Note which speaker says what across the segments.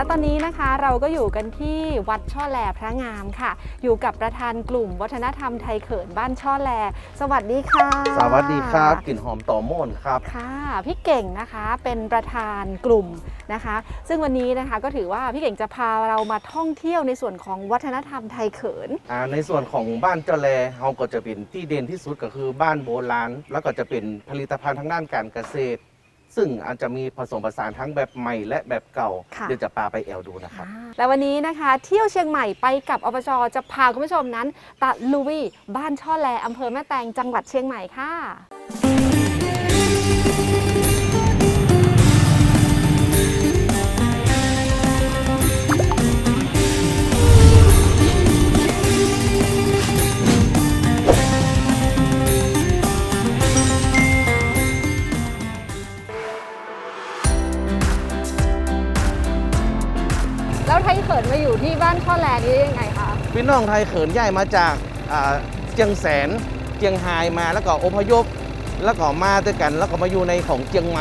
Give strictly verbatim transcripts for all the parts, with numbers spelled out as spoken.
Speaker 1: ตอนนี้นะคะเราก็อยู่กันที่วัดช่อแลพระงามค่ะอยู่กับประธานกลุ่มวัฒนธรรมไทยเขินบ้านช่อแลสวัสดีค่ะ
Speaker 2: สวัสดีครับกลิ่นหอมต่อม่นครับ
Speaker 1: ค่ะพี่เก่งนะคะเป็นประธานกลุ่มนะคะซึ่งวันนี้นะคะก็ถือว่าพี่เก่งจะพาเรามาท่องเที่ยวในส่วนของวัฒนธรรมไทยเขิน
Speaker 2: ในส่วนของบ้านเจ้าแลเราก็จะเป็นที่เด่นที่สุดก็คือบ้านโบราณแล้วก็จะเป็นผลิตภัณฑ์ทางด้านการเกษตรซึ่งอาจจะมีผสมผสานทั้งแบบใหม่และแบบเก่าเดี๋ยวจะพาไปแอลดูนะครับ
Speaker 1: และวันนี้นะคะเที่ยวเชียงใหม่ไปกับอบจ.จะพาคุณผู้ชมนั้นตะลุยบ้านช่อแลอำเภอแม่แตงจังหวัดเชียงใหม่ค่ะแล้วไทยเขินมาอยู่ที่บ้านช่อแลนี้ได้ยังไงคะ
Speaker 2: พี่น้องไทยเขินย้ายมาจากเจียงแสนเจียงไฮ้มาแล้วก็อพยพแล้วก็มาด้วยกันแล้วก็มาอยู่ในของเจียงใหม่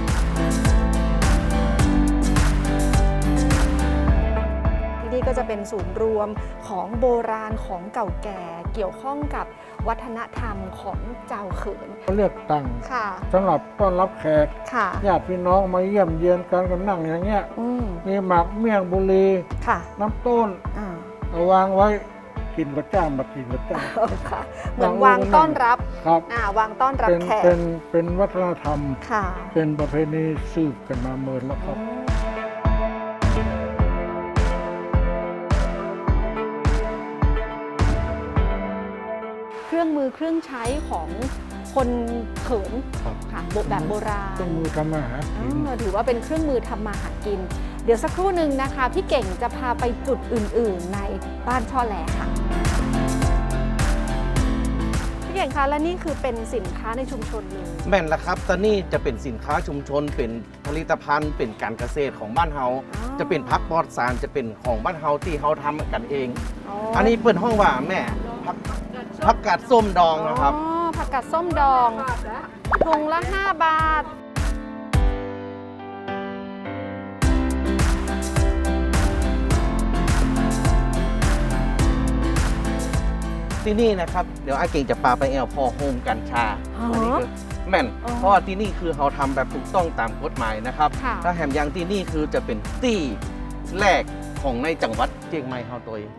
Speaker 1: ที่นี่ก็จะเป็นศูนย์รวมของโบราณของเก่าแก่เกี่ยวข้องกับวัฒนธรรมของเจ้าเขิน
Speaker 3: เลือกตั้งสำหรับต้อนรับแขกญาติพี่น้องมาเยี่ยมเยียนกันกันนั่งอย่างเงี้ยมีหมากเมี่ยงบุรีน้ำต้นวางไว้กินกระจ้างแบบกินกระจ้าง
Speaker 1: เหมือนวางต้อนรับ
Speaker 3: ครับ
Speaker 1: วางต้อนรับแขก
Speaker 3: เป็นเป็นวัฒนธรรมเป็นประเพณีสืบกันมาเมินแล้วครับ
Speaker 1: เครื่องมือเครื่องใช้ของคนเขินค่ะแบบโบราณ
Speaker 3: เครื่องมือทำมาหากิน
Speaker 1: ถือว่าเป็นเครื่องมือทำมาหากินเดี๋ยวสักครู่หนึ่งนะคะพี่เก่งจะพาไปจุดอื่นๆในบ้านช่อแลค่ะพี่เก่งคะและนี่คือเป็นสินค้าในชุมชนเลย
Speaker 2: แม่นละครับตอนนี้จะเป็นสินค้าชุมชนเป็นผลิตภัณฑ์เป็นการเกษตรของบ้านเฮาจะเป็นพักปลอดสารจะเป็นของบ้านเฮาที่เฮาทำกันเองอันนี้เปิดห้องว่าแม่พักผักกาดส้มดองนะครับ
Speaker 1: อ๋อผักกาดส้มดองถุงละห้าบาท
Speaker 2: ที่นี่นะครับเดี๋ยวอาเก่งจะพาไปแอลพอโฮมกัญชาอันนี้คือแม่นเพราะว่าที่นี่คือเขาทำแบบถูกต้องตามกฎหมายนะครับถ้าแหมยังที่นี่คือจะเป็นที่แรกของในจังหวัดเชียงใหม่เฮาตัวเอง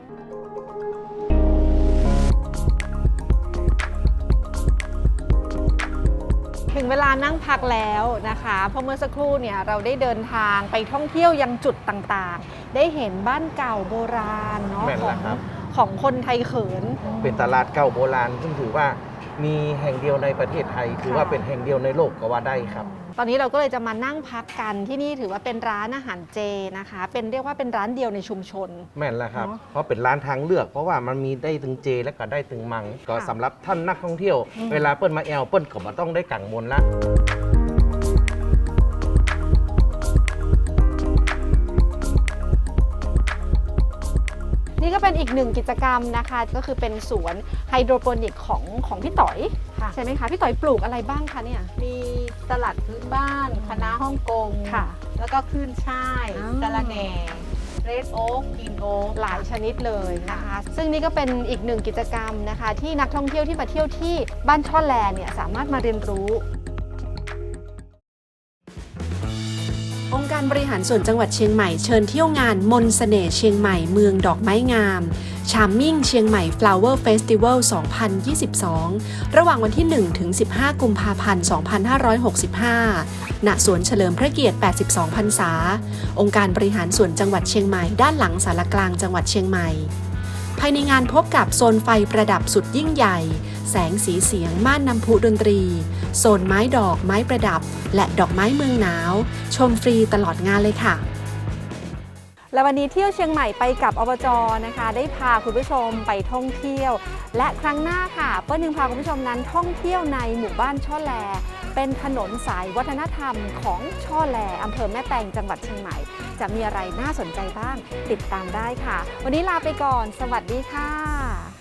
Speaker 1: ถึงเวลานั่งพักแล้วนะคะเพราะเมื่อสักครู่เนี่ยเราได้เดินทางไปท่องเที่ยวยังจุดต่างๆได้เห็นบ้านเก่าโบราณเนาะของของคนไทยเขิน
Speaker 2: เป็นตลาดเก่าโบราณซึ่งถือว่ามีแห่งเดียวในประเทศไทยถือว่าเป็นแห่งเดียวในโลกก็ว่าได้ครับ
Speaker 1: ตอนนี้เราก็เลยจะมานั่งพักกันที่นี่ถือว่าเป็นร้านอาหารเจนะคะเป็นเรียกว่าเป็นร้านเดียวในชุมชน
Speaker 2: แม่นแล้วครับเพราะเป็นร้านทางเลือกเพราะว่ามันมีได้ถึงเจและก็ได้ถึงมังก็สำหรับท่านนักท่องเที่ยวเวลาเปิ้ลมาแอลเปิ้ลก็มาต้องได้กังวลละ
Speaker 1: นี่ก็เป็นอีกหนึ่งกิจกรรมนะคะก็คือเป็นสวนไฮโดรโปนิกของของพี่ต่อยใช่ไหมคะพี่ต่อยปลูกอะไรบ้างคะเนี่ย
Speaker 4: มีสลัดพื้นบ้านคะน้าฮ่องกงค่ะแล้วก็ขึ้นช่ายสะระแหน่เรดโอ๊กกินโอ๊ก
Speaker 1: หลายชนิดเลยนะคะซึ่งนี่ก็เป็นอีกหนึ่งกิจกรรมนะคะที่นักท่องเที่ยวที่มาเที่ยวที่บ้านช่อแลเนี่ยสามารถมาเรียนรู้
Speaker 5: องค์การบริหารส่วนจังหวัดเชียงใหม่เชิญเที่ยวงานมนต์เสน่ห์เชียงใหม่เมืองดอกไม้งามชาร์มมิ่งเชียงใหม่ Flower Festival สองพันยี่สิบสอง ระหว่างวันที่ หนึ่งถึงสิบห้า กุมภาพันธ์ สองพันห้าร้อยหกสิบห้า ณ สวนเฉลิมพระเกียรติ แปดสิบสอง พรรษา องค์การบริหารส่วนจังหวัดเชียงใหม่ด้านหลังศาลากลางจังหวัดเชียงใหม่ภายในงานพบกับโซนไฟประดับสุดยิ่งใหญ่แสงสีเสียงม่านน้ำพุดนตรีโซนไม้ดอกไม้ประดับและดอกไม้เมืองหนาวชมฟรีตลอดงานเลยค่ะ
Speaker 1: และวันนี้เที่ยวเชียงใหม่ไปกับอบจ.นะคะได้พาคุณผู้ชมไปท่องเที่ยวและครั้งหน้าค่ะเปิ้ลยังพาคุณผู้ชมนั้นท่องเที่ยวในหมู่บ้านช่อแลเป็นถนนสายวัฒนธรรมของช่อแลอำเภอแม่แตงจังหวัดเชียงใหม่จะมีอะไรน่าสนใจบ้างติดตามได้ค่ะวันนี้ลาไปก่อนสวัสดีค่ะ